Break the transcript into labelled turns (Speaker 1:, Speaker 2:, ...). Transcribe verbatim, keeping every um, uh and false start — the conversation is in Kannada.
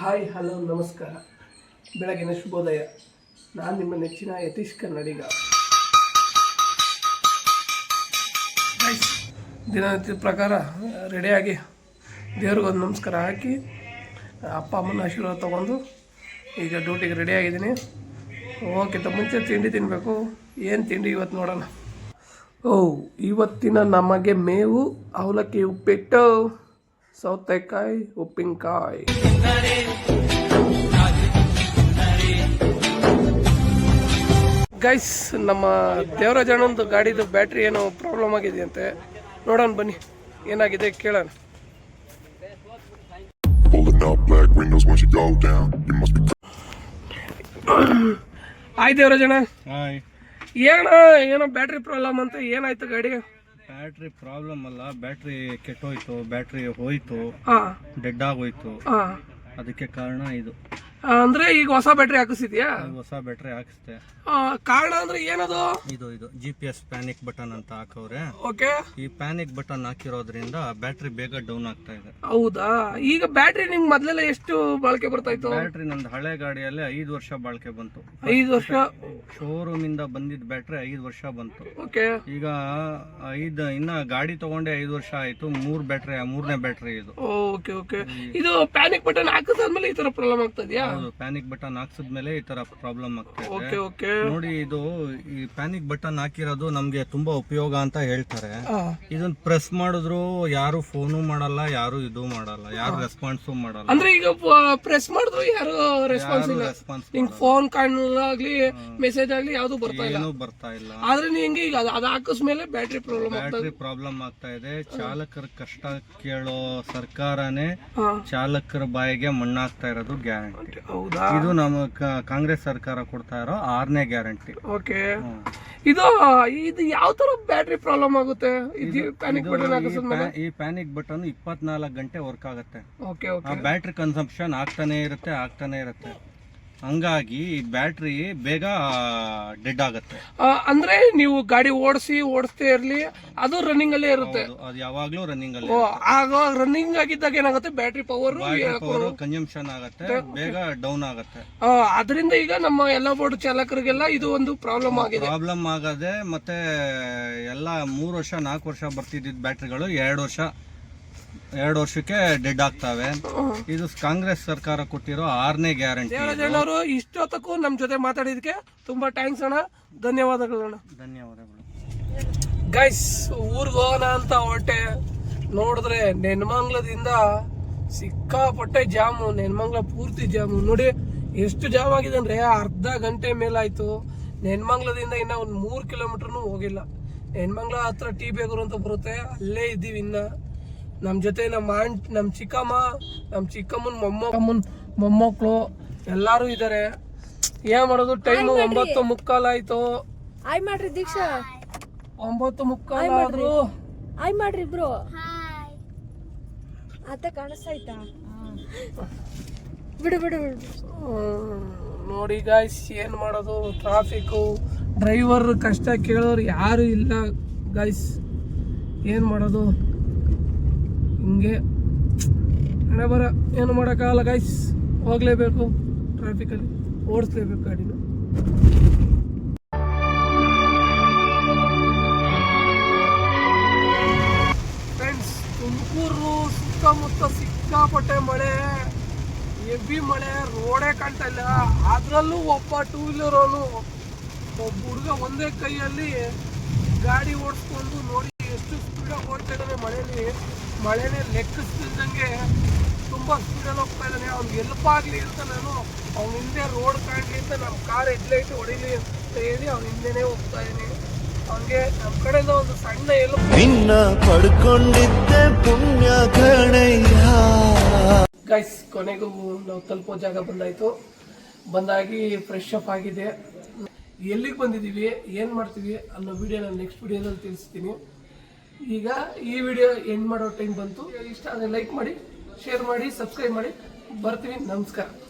Speaker 1: ಹಾಯ್ ಹಲೋ ನಮಸ್ಕಾರ, ಬೆಳಗಿನ ಶುಭೋದಯ. ನಾನು ನಿಮ್ಮ ನೆಚ್ಚಿನ ಯತೀಶ್ ಕನ್ನಡಿಗ. ದಿನನಿತ್ಯದ ಪ್ರಕಾರ ರೆಡಿಯಾಗಿ ದೇವ್ರಿಗೊಂದು ನಮಸ್ಕಾರ ಹಾಕಿ ಅಪ್ಪ ಅಮ್ಮನ ಆಶೀರ್ವಾದ ತೊಗೊಂಡು ಈಗ ಡ್ಯೂಟಿಗೆ ರೆಡಿಯಾಗಿದ್ದೀನಿ. ಹೋಗೋಕ್ಕಿಂತ ಮುಂಚೆ ತಿಂಡಿ ತಿನ್ನಬೇಕು. ಏನು ತಿಂಡಿ ಇವತ್ತು ನೋಡೋಣ. ಓ ಇವತ್ತಿನ ನಮಗೆ ಮೇವು ಅವಲಕ್ಕಿ ಉಪ್ಪಿಟ್ಟು, ಸೌತೆಕಾಯಿ ಉಪ್ಪಿನಕಾಯಿ. ಗೈಸ್, ನಮ್ಮ ದೇವರಾಜಣ್ಣಂದು ಗಾಡಿದು ಬ್ಯಾಟ್ರಿ ಏನೋ ಪ್ರಾಬ್ಲಮ್ ಆಗಿದೆಯಂತೆ. ನೋಡೋಣ ಬನ್ನಿ, ಏನಾಗಿದೆ ಕೇಳೋಣ. ಹಾಯ್ ದೇವರಾಜಣ್ಣ.
Speaker 2: ಹಾಯ್.
Speaker 1: ಏನ ಏನೋ ಬ್ಯಾಟ್ರಿ ಪ್ರಾಬ್ಲಮ್ ಅಂತ, ಏನಾಯ್ತು ಗಾಡಿ?
Speaker 2: ಬ್ಯಾಟ್ರಿ ಪ್ರಾಬ್ಲಮ್ ಅಲ್ಲ, ಬ್ಯಾಟ್ರಿ ಕೆಟ್ಟೋಯ್ತು, ಬ್ಯಾಟ್ರಿ ಹೋಯ್ತು, ಡೆಡ್ ಆಗೋಯ್ತು. ಅದಕ್ಕೆ ಕಾರಣ ಇದು.
Speaker 1: ಅಂದ್ರೆ ಈಗ ಹೊಸ ಬ್ಯಾಟ್ರಿ ಹಾಕಿಸಿದ್ಯಾ?
Speaker 2: ಹೊಸ ಬ್ಯಾಟ್ರಿ ಹಾಕಿಸ್ದೆ.
Speaker 1: ಕಾರಣ ಅಂದ್ರೆ ಏನದು?
Speaker 2: ಇದು ಇದು G P S panic button ಅಂತ ಹಾಕವ್ರೆ.
Speaker 1: ಓಕೆ.
Speaker 2: ಈ ಪ್ಯಾನಿಕ್ ಬಟನ್ ಹಾಕಿರೋದ್ರಿಂದ ಬ್ಯಾಟ್ರಿ ಬೇಗ ಡೌನ್ ಆಗ್ತಾ ಇದೆ.
Speaker 1: ಹೌದಾ? ಈಗ ಬ್ಯಾಟ್ರಿ ನಿಮ್ಗೆ ಮೊದ್ಲೆಲ್ಲ ಎಷ್ಟು ಬಾಳಿಕೆ ಬರ್ತಾ ಇತ್ತು?
Speaker 2: ಬ್ಯಾಟ್ರಿ ನಂದು ಹಳೆ ಗಾಡಿಯಲ್ಲಿ ಐದು ವರ್ಷ ಬಾಳಿಕೆ ಬಂತು.
Speaker 1: ಐದು ವರ್ಷ
Speaker 2: ಶೋರೂಮ್ ಇಂದ ಬಂದಿದ್ದ ಬ್ಯಾಟ್ರಿ ಐದು ವರ್ಷ ಬಂತು.
Speaker 1: ಓಕೆ.
Speaker 2: ಈಗ ಐದ್ ಇನ್ನ ಗಾಡಿ ತಗೊಂಡೆ ಐದು ವರ್ಷ ಆಯ್ತು. ಮೂರ್ ಬ್ಯಾಟ್ರಿ, ಮೂರನೇ ಬ್ಯಾಟ್ರಿ ಇದು.
Speaker 1: Okay okay. ಇದು ಪ್ಯಾನಿಕ್ ಬಟನ್ ಹಾಕಿದ್ಮೇಲೆ ಈ ತರ ಪ್ರಾಬ್ಲಮ್ ಆಗ್ತದ್ಯಾ?
Speaker 2: ಹೌದು, ಪ್ಯಾನಿಕ್ ಬಟನ್ ಹಾಕ್ಸಿದ್ಮೇಲೆ ಈ ತರ ಪ್ರಾಬ್ಲಮ್ ಆಗ್ತದೆ.
Speaker 1: Okay okay.
Speaker 2: ನೋಡಿ, ಇದು ಈ ಪ್ಯಾನಿಕ್ ಬಟನ್ ಹಾಕಿರೋದು ನಮ್ಗೆ ತುಂಬಾ ಉಪಯೋಗ ಅಂತ ಹೇಳ್ತಾರೆ. ಇದನ್ನ ಪ್ರೆಸ್ ಮಾಡಿದ್ರು ಯಾರು ಫೋನು ಮಾಡಲ್ಲ, ಯಾರು ಇದು ಮಾಡಲ್ಲ, ಯಾರು ರೆಸ್ಪಾನ್ಸು ಮಾಡಲ್ಲ.
Speaker 1: ಅಂದ್ರೆ ಈಗ ಪ್ರೆಸ್ ಮಾಡಿದ್ರು ಯಾರು ರೆಸ್ಪಾನ್ಸ್ ಇಲ್ಲ. ನಿಂಗೆ ಫೋನ್ ಕಾಣಲಾಗ್ಲಿ, ಮೆಸೇಜ್ ಆಗ್ಲಿ ಯಾವ್ದು ಬರ್ತಾ ಇಲ್ಲ.
Speaker 2: ಏನು ಬರ್ತಾ ಇಲ್ಲ.
Speaker 1: ಆದ್ರೆ ನಿಂಗೆ ಈಗ ಅದು ಹಾಕಿಸ್ಮೇಲೆ ಬ್ಯಾಟ್ರಿ ಪ್ರಾಬ್ಲಮ್
Speaker 2: ಬ್ಯಾಟ್ರಿ ಪ್ರಾಬ್ಲಮ್ ಆಗ್ತಾ ಇದೆ. ಚಾಲಕರ ಕಷ್ಟ ಕೇಳೋ ಸರ್ಕಾರನೇ ಚಾಲಕರ ಬಾಯಿಗೆ ಮಣ್ಣಾಗ್ತಾ ಇರೋದು ಗ್ಯಾರಂಟಿ.
Speaker 1: ಹೌದಾ?
Speaker 2: ಇದು ನಮ್ಮ ಕಾಂಗ್ರೆಸ್ ಸರ್ಕಾರ ಕೊಡ್ತಾ ಇರೋ ಆರನೇ ಗ್ಯಾರಂಟಿ.
Speaker 1: ಓಕೆ. ಇದು ಇದು ಯಾವ ತರ ಬ್ಯಾಟ್ರಿ ಪ್ರಾಬ್ಲಮ್ ಆಗುತ್ತೆ? ಪ್ಯಾನಿಕ್ ಬಟನ್ ಹಾಕಿಸಿದ್ಮೇಲೆ
Speaker 2: ಈ ಪ್ಯಾನಿಕ್ ಬಟನ್ ಇಪ್ಪತ್ನಾಲ್ಕು ಗಂಟೆ ವರ್ಕ್ ಆಗುತ್ತೆ.
Speaker 1: Okay okay.
Speaker 2: ಆ ಬ್ಯಾಟ್ರಿ ಕನ್ಸಂಪ್ಷನ್ ಆಗ್ತಾನೆ ಇರುತ್ತೆ ಆಗ್ತಾನೆ ಇರುತ್ತೆ. ಹಂಗಾಗಿ ಬ್ಯಾಟ್ರಿ ಬೇಗ ಡೆಡ್ ಆಗುತ್ತೆ.
Speaker 1: ಅಂದ್ರೆ ನೀವು ಗಾಡಿ ಓಡಿಸಿ ಓಡಿಸ್ತೇ ಇರ್ಲಿ, ಅದು ರನ್ನಿಂಗ್ ಅಲ್ಲೇ ಇರುತ್ತೆ.
Speaker 2: ಅದು ಯಾವಾಗ್ಲೂ ರನ್ನಿಂಗ್ ಅಲ್ಲಿ.
Speaker 1: ಆಗ ರನ್ನಿಂಗ್ ಆಗಿದ್ದಾಗ ಏನಾಗುತ್ತೆ, ಬ್ಯಾಟ್ರಿ ಪವರ್
Speaker 2: ಕನ್ಸಂಪ್ಷನ್ ಆಗುತ್ತೆ, ಬೇಗ ಡೌನ್ ಆಗುತ್ತೆ.
Speaker 1: ಅದರಿಂದ ಈಗ ನಮ್ಮ ಎಲ್ಲ ಬೋರ್ಡ್ ಚಾಲಕರಿಗೆಲ್ಲ ಇದು ಒಂದು ಪ್ರಾಬ್ಲಮ್ ಆಗಿದೆ.
Speaker 2: ಪ್ರಾಬ್ಲಮ್ ಆಗದೆ ಮತ್ತೆ ಎಲ್ಲ ಮೂರು ವರ್ಷ ನಾಲ್ಕು ವರ್ಷ ಬರ್ತಿದ್ದ ಬ್ಯಾಟ್ರಿಗಳು ಎರಡು ವರ್ಷ ಎರಡು ವರ್ಷಕ್ಕೆ ಡೆಡ್ ಆಗ್ತಾವೆ. ಇದು ಕಾಂಗ್ರೆಸ್ ಸರ್ಕಾರ ಕೊಟ್ಟಿರೋ ಆರನೇ ಗ್ಯಾರಂಟಿ.
Speaker 1: ದೇವರಾಜಣ್ಣವರು ಇಷ್ಟೊತ್ತಕ್ಕೂ ನಮ್ ಜೊತೆ ಮಾತಾಡಿದಕ್ಕೆ ತುಂಬಾ ಥ್ಯಾಂಕ್ಸ್ ಅಣ್ಣ, ಧನ್ಯವಾದಗಳು ಅಣ್ಣ.
Speaker 2: ಧನ್ಯವಾದಗಳು.
Speaker 1: ಗೈಸ್, ಊರ್ಗ್ ಹೋಗೋಣ ಅಂತ ಹೊರಟೆ. ನೋಡಿದ್ರೆ ನೆನ್ಮಂಗ್ಲದಿಂದ ಸಿಕ್ಕಾಪಟ್ಟೆ ಜಾಮು, ನೆನ್ಮಂಗ್ಲ ಪೂರ್ತಿ ಜಾಮು. ನೋಡಿ ಎಷ್ಟು ಜಾಮ್ ಆಗಿದೆ ಅಂದ್ರೆ ಅರ್ಧ ಗಂಟೆ ಮೇಲಾಯ್ತು. ನೆನ್ಮಂಗ್ಲದಿಂದ ಇನ್ನ ಒಂದ್ ಮೂರ್ ಕಿಲೋಮೀಟರ್ನು ಹೋಗಿಲ್ಲ. ನೆನ್ಮಂಗ್ಲ ಹತ್ರ ಟಿ ಬೇಗೂರು ಅಂತ ಬರುತ್ತೆ, ಅಲ್ಲೇ ಇದ್ದೀವಿ. ಇನ್ನ ನಮ್ಮ ಜೊತೆ ನಮ್ಮ ಆಂಟ್, ನಮ್ಮ ಚಿಕ್ಕಮ್ಮ, ನಮ್ಮ ಚಿಕ್ಕಮ್ಮನ ಮೊಮ್ಮಮ್ಮನ ಮೊಮ್ಮಕ್ಕಳು ಎಲ್ಲಾರು ಇದ್ದಾರೆ. ಏನ್ ಮಾಡೋದು, ಟೈಮು ಒಂಬತ್ತು ಮುಕ್ಕಾಲ್ ಆಯ್ತು.
Speaker 3: ಆಯ್ ಮಾಡ್ರಿ ದೀಕ್ಷಾ.
Speaker 1: ಒಂಬತ್ತು ಮುಕ್ಕಾಲ್ ಆದ್ರು
Speaker 3: ಆಯ್ ಮಾಡ್ರಿ ಇಬ್ರು. ಆತ ಕಾಣಿಸ್ತಾಯ್ತಾ? ಬಿಡು ಬಿಡು ಬಿಡು.
Speaker 1: ನೋಡಿ ಗಾಯ್ಸ್, ಏನ್ ಮಾಡೋದು, ಟ್ರಾಫಿಕ್, ಡ್ರೈವರ್ ಕಷ್ಟ ಕೇಳೋರು ಯಾರು ಇಲ್ಲ ಗಾಯ್ಸ್. ಏನ್ ಮಾಡೋದು, ಹಿಂಗೆ ಹಣೆ ಬರ, ಏನು ಮಾಡೋಕ್ಕಾಗಲ್ಲ ಗೈಸ್. ಹೋಗ್ಲೇಬೇಕು, ಟ್ರಾಫಿಕಲ್ಲಿ ಓಡಿಸ್ಲೇಬೇಕು ಗಾಡಿನ. ಫ್ರೆಂಡ್ಸ್, ತುಮಕೂರು ಸುತ್ತಮುತ್ತ ಸಿಕ್ಕಾಪಟ್ಟೆ ಮಳೆ, ಹೆವಿ ಮಳೆ, ರೋಡೇ ಕಾಣ್ತಾ ಇಲ್ಲ. ಅದರಲ್ಲೂ ಒಬ್ಬ ಟೂ ವೀಲರ್ ಅವನು, ಒಬ್ಬ ಹುಡುಗ ಒಂದೇ ಕೈಯಲ್ಲಿ ಗಾಡಿ ಓಡಿಸ್ಕೊಂಡು ನೋಡಿ ಎಷ್ಟು ಸ್ಪೀಡಾಗಿ ಓಡ್ತಾ ಇದ್ದಾನೆ ಮಳೆಯಲ್ಲಿ. ಮಳೆನೇ ಲೆಕ್ಕಿಸ್ತಿದ್ದಂಗೆ ತುಂಬ ಸ್ಪೀಡಲ್ಲಿ ಹೋಗ್ತಾ ಇದ್ದಾನೆ. ಅವ್ನಿಗೆ ಎಲ್ಪ್ ಆಗಲಿ ಅಂತ ನಾನು ಅವ್ನ ಹಿಂದೆ ರೋಡ್ ಕಾಣಲಿ ಅಂತ ನಮ್ಮ ಕಾರ್ ಹೆಡ್ಲೈಟ್ ಹೊಡಿಲಿ ಅಂತ ಹೇಳಿ ಅವ್ನ ಹಿಂದೆನೇ ಹೋಗ್ತಾ ಇದ್ದೀನಿ. ಅವನಿಗೆ ನಮ್ಮ ಕಡೆಯಿಂದ ಒಂದು ಸಣ್ಣ ಎಲ್ಪ್ ಪಡ್ಕೊಂಡಿದ್ದೆ ಪುಣ್ಯ ಕಣಯ್ಯ. ಗೈಸ್, ಕೊನೆಗೂ ನಾವು ತಲುಪೋ ಜಾಗ ಬಂದಾಯ್ತು. ಬಂದಾಗಿ ಫ್ರೆಶ್ ಅಪ್ ಆಗಿದೆ. ಎಲ್ಲಿಗೆ ಬಂದಿದ್ದೀವಿ, ಏನು ಮಾಡ್ತೀವಿ ಅನ್ನೋ ವಿಡಿಯೋ ನಾನು ನೆಕ್ಸ್ಟ್ ವಿಡಿಯೋದಲ್ಲಿ ತಿಳಿಸ್ತೀನಿ. ಈಗ ಈ ವಿಡಿಯೋ ಎಂಡ್ ಮಾಡೋ ಟೈಮ್ ಬಂತು. ಇಷ್ಟ ಆದರೆ ಲೈಕ್ ಮಾಡಿ, ಶೇರ್ ಮಾಡಿ, ಸಬ್ಸ್ಕ್ರೈಬ್ ಮಾಡಿ. ಬರ್ತೀವಿ. ನಮಸ್ಕಾರ.